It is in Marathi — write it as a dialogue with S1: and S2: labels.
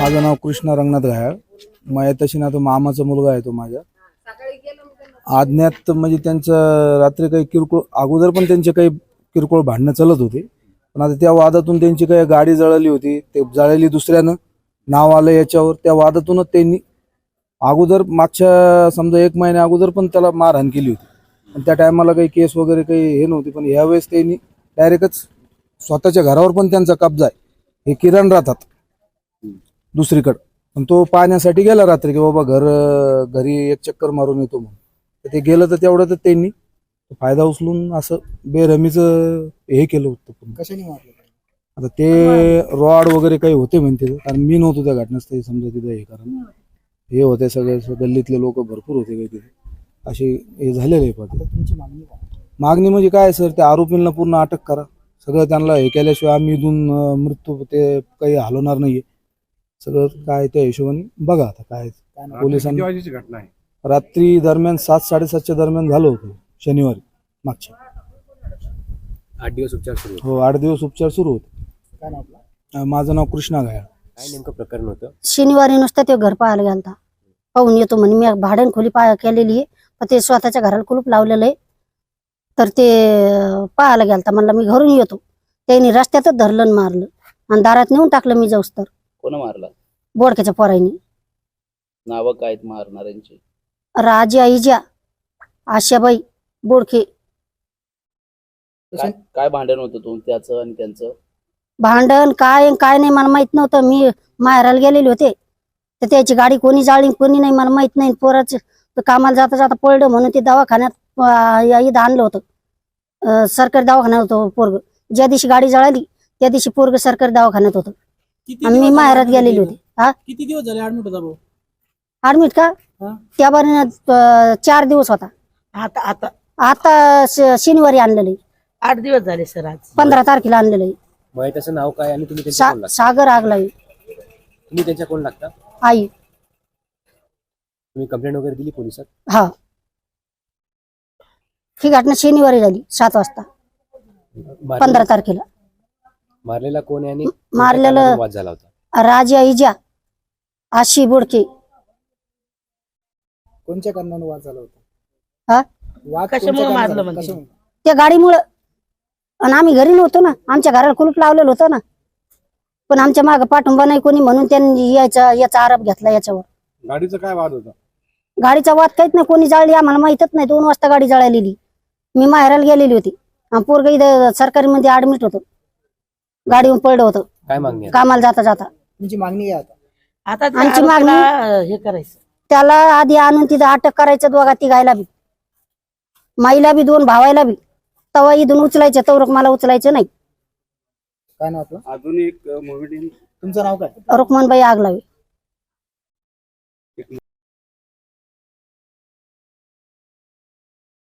S1: माझं नाव कृष्णा रंगनाथ घायाळ. मग तशी ना तो मामाचा मुलगा आहे तो माझ्या. अज्ञात म्हणजे त्यांचं रात्री काही किरकोळ अगोदर पण त्यांचे काही किरकोळ भांडणं चालत होती. पण आता त्या वादातून त्यांची काही गाडी जळाली होती. ते जळाली दुसऱ्यानं नाव आलं याच्यावर. त्या वादातूनच त्यांनी अगोदर मागच्या समजा 1 महिन्या अगोदर पण त्याला मारहाण केली होती. पण त्या टायमाला काही केस वगैरे काही हे नव्हती. पण यावेळेस त्यांनी डायरेक्टच स्वतःच्या घरावर पण त्यांचा कब्जा आहे. हे किरण राहतात दुसरीकडे. पण तो पाहण्यासाठी गेला रात्री की बाबा घरी एक चक्कर मारून येतो म्हणून. तर ते गेलं तर तेवढं तर त्यांनी फायदा उचलून असं बेरहमीचं हे केलं होतं.
S2: कशाने मारलं?
S1: आता ते रॉड वगैरे काही होते म्हणते, कारण मी नव्हतो त्या घटनास्थळी समजा तिथं. हे कारण हे होते सगळे गल्लीतले लोक भरपूर होते काही तिथे. असे हे झालेले आहे. पण
S2: तुमची मागणी काय?
S1: मागणी म्हणजे काय सर, त्या आरोपींना पूर्ण अटक करा. सगळं त्यांना हे केल्याशिवाय आम्ही इथून मृत्यू ते काही हलवणार नाहीये. सगळं काय त्या हिशोबाने बघा आता काय पोलिसांनी.
S3: घटना आहे
S1: रात्री दरम्यान 7-7:30च्या दरम्यान झालं होतं शनिवारी मागच्या.
S3: 8 दिवस उपचार सुरू होते.
S1: हो 8 दिवस उपचार सुरू होते.
S2: काय नाव आपलं?
S1: माझं नाव कृष्णा घायाळ.
S3: काय नेमकं प्रकरण होतं?
S4: शनिवारी नुसतं ते घर पाहायला गेलता. पाहून येतो म्हणे. मी भाड्यान खोली केलेली आहे, पण ते स्वतःच्या घराला कुलूप लावलेलं आहे. तर ते पाहायला गेलता. म्हणलं मी घरून येतो. त्यांनी रस्त्यातच धरलं आणि मारलं आणि दारात नेऊन टाकलं. मी जाऊस तर
S5: कोण मारला?
S4: बोडक्याच्या पोरांनी.
S5: नावं काय आहेत मारणाऱ्यांची?
S4: राजा इजा, आशाबाई बोडके.
S5: काय भांडण होतं त्याचं आणि त्यांचं?
S4: भांडण काय नाही मला माहित नव्हतं. मी माहेराला गेलेले होते. तर त्याची गाडी कोणी जाळली कोणी नाही मला माहित नाही. पोराचं कामाला जाता जाता पडलं म्हणून ते दवाखान्यात इथं आणलं होतं. सरकारी दवाखान्यात होतं पोरग. ज्या दिवशी गाडी जळाली त्या दिवशी पोरग सरकारी दवाखान्यात होतं. आणि मी माहेरात गेलेली होती. हा
S2: किती दिवस झाले ऍडमिट होता भाऊ?
S4: ऍडमिट का? त्या बारीनं 4 दिवस होता.
S6: आता आता
S4: आता शनिवारी आणलेलं आहे.
S6: 8 दिवस झाले सर. आज
S4: 15 तारखेला आणलेलं आहे.
S3: मग त्याचं नाव काय आणि तुम्ही त्यांच्या कोण लागता?
S4: सागर आगलावी
S3: तुम्ही त्यांच्या कोण लागता?
S4: आई.
S3: तुम्ही कंप्लेंट वगैरे दिली पोलिसात?
S4: हा, ही घटना शनिवारी झाली 7 वाजता 15 तारखेला.
S3: मारलेला कोण आहे आणि
S4: मारलेलं
S3: वाद झाला होता?
S4: राजा इजा, आशी बोडके.
S2: कोणत्या कारणाने वाद झाला होता?
S4: हा,
S2: वाद
S6: कशामुळे
S2: कोणत्या कारणाने
S6: मारलं
S2: झाला?
S6: म्हणजे?
S2: कशामुळे?
S4: त्या गाडीमुळं. आणि आम्ही घरी नव्हतो ना. आमच्या घराला कुलूप लावलेलं होतं ना. पण आमच्या मागे पाठिंबा नाही कोणी म्हणून त्यांनी याचा आरोप घेतला याच्यावर.
S3: गाडीचा काय वाद होता?
S4: गाडीचा वाद काहीच नाही. कोणी जाळली आम्हाला माहितच नाही. 2 वाजता गाडी जळालेली. मी माहेराला गेलेली होती. पोरग इथं सरकारी मध्ये ऍडमिट होतं. गाडीवर पडलं होतं
S3: काय मागणी आहे?
S4: कामाला जाता जाता.
S2: तुमची मागणी आहे आता?
S6: आता ते
S4: आमची
S6: आरोपीला हे करायचं.
S4: त्याला आधी आणून तिथं अटक करायचं. दोघा तिघायला बी, माईला बी, 2 भावायला बी. तवा इथून उचलायचं. तवरक मला उचलायचं नाही.
S2: काय नाव आपलं?
S3: अजून एक मूवी.
S2: तुमचं नाव काय?
S4: रुक्मनबाई आगलावी.